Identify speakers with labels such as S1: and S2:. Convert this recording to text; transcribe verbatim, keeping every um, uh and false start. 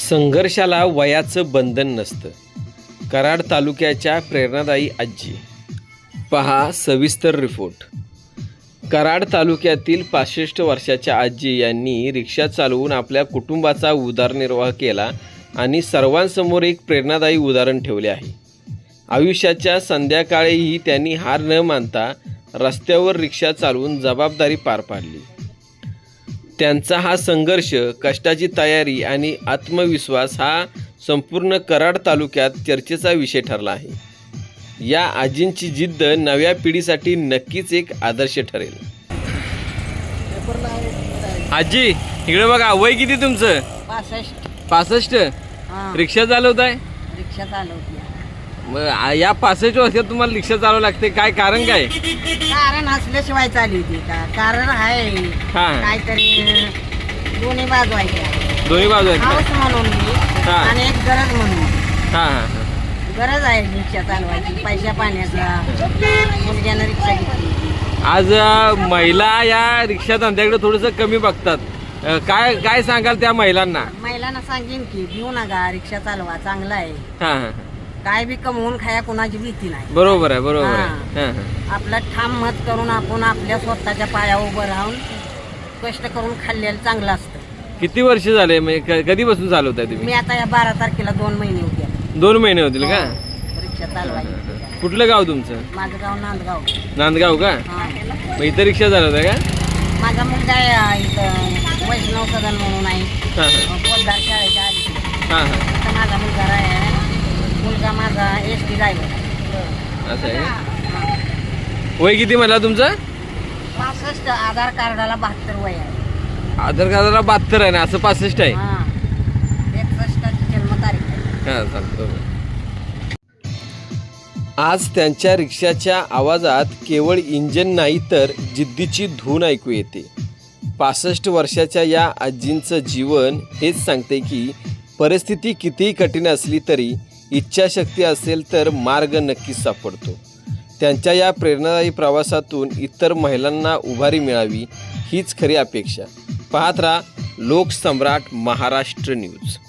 S1: संघर्षाला वयाचं बंधन नसतं. कराड तालुक्याच्या प्रेरणादायी आजी. पहा सविस्तर रिपोर्ट. कराड तालुक्यातील पासष्ट वर्षाच्या आजी यांनी रिक्षा चालवून आपल्या कुटुंबाचा उदरनिर्वाह केला आणि सर्वांसमोर एक प्रेरणादायी उदाहरण ठेवले आहे. आयुष्याच्या संध्याकाळीही त्यांनी हार न मानता रस्त्यावर रिक्षा चालवून जबाबदारी पार पाडली. त्यांचा हा संघर्ष, कष्टाची तयारी आणि आत्मविश्वास हा संपूर्ण कराड तालुक्यात चर्चेचा विषय ठरला आहे. या आजींची जिद्द नव्या पिढीसाठी नक्कीच एक आदर्श ठरेल. आजी इकडे बघा, वय किती तुमचं?
S2: पासष्ट.
S1: पासष्ट. रिक्षा चालवताय?
S2: रिक्षा चालवते.
S1: मग या पासष्ट वर्षात तुम्हाला रिक्षा चालवावं लागते, काय कारण काय?
S2: कारण असल्याशिवाय चालवते का? कारण आहे
S1: हा
S2: काहीतरी दोन्ही बाजू आहेत.
S1: दोन्ही बाजू आहेत.
S2: हाऊस म्हणून मी
S1: हा.
S2: आणि एक गरज म्हणून.
S1: हा हा हा.
S2: गरज आहे रिक्षा चालवायची, पैशा पाण्याचा. मुलग्यानं रिक्षा घेतली.
S1: आज अ, महिला या रिक्षा धंद्याकडे थोडंसं कमी बघतात. अ, काय काय सांगाल त्या महिलांना?
S2: महिलांना सांगेन की भिऊ नका, रिक्षा चालवा, चांगला आहे.
S1: हा हा.
S2: काय बी कमवून खाया कोणाची भीती नाही.
S1: बरोबर आहे, बरोबर आहे.
S2: हा.
S1: हा हा.
S2: आपलं ठाम मत करून आपण आपल्या स्वतःच्या पायावर उभं राहून कष्ट करून खाल्लेलं चांगलं असतं.
S1: किती वर्ष झाले, म्हणजे क- कधीपासून चालवताय तुम्ही?
S2: मी आता या बारा तारखेला दोन महिने होते
S1: दोन महिने होतील का?
S2: रिक्षा चालवायची.
S1: कुठलं गाव तुमचं?
S2: माझं गाव नांदगाव.
S1: नांदगाव का?
S2: हा.
S1: मग इथं रिक्षा चालवताय का?
S2: माझा मुलगा आहे इथं वैष्णव सदन म्हणून आहे.
S1: हा हा.
S2: पोतदार शाळेच्या आधी.
S1: हा हा.
S2: इथं माझा मुलगा आहे. मुलगा माझा एस टी ड्रायव्हर.
S1: असं आहे का? वय किती म्हणला तुमचं?
S2: पासष्ट. आधार कार्डाला बहात्तर वय आहे.
S1: आधार कार्डाला बहात्तर आहे ना, असं पासष्ट आहे.
S2: हा. एकसष्टाची जन्मतारीख आहे.
S1: हा चालतं. आज त्यांच्या रिक्षाच्या आवाजात केवळ इंजन नाही तर जिद्दीची धून ऐकू येते. पासष्ट वर्षाच्या या आजींचं जीवन हेच सांगते की परिस्थिती कितीही कठीण असली तरी इच्छाशक्ती असेल तर मार्ग नक्कीच सापडतो. त्यांच्या या प्रेरणादायी प्रवासातून इतर महिलांना उभारी मिळावी हीच खरी अपेक्षा. पाहत राहा लोकसम्राट महाराष्ट्र न्यूज.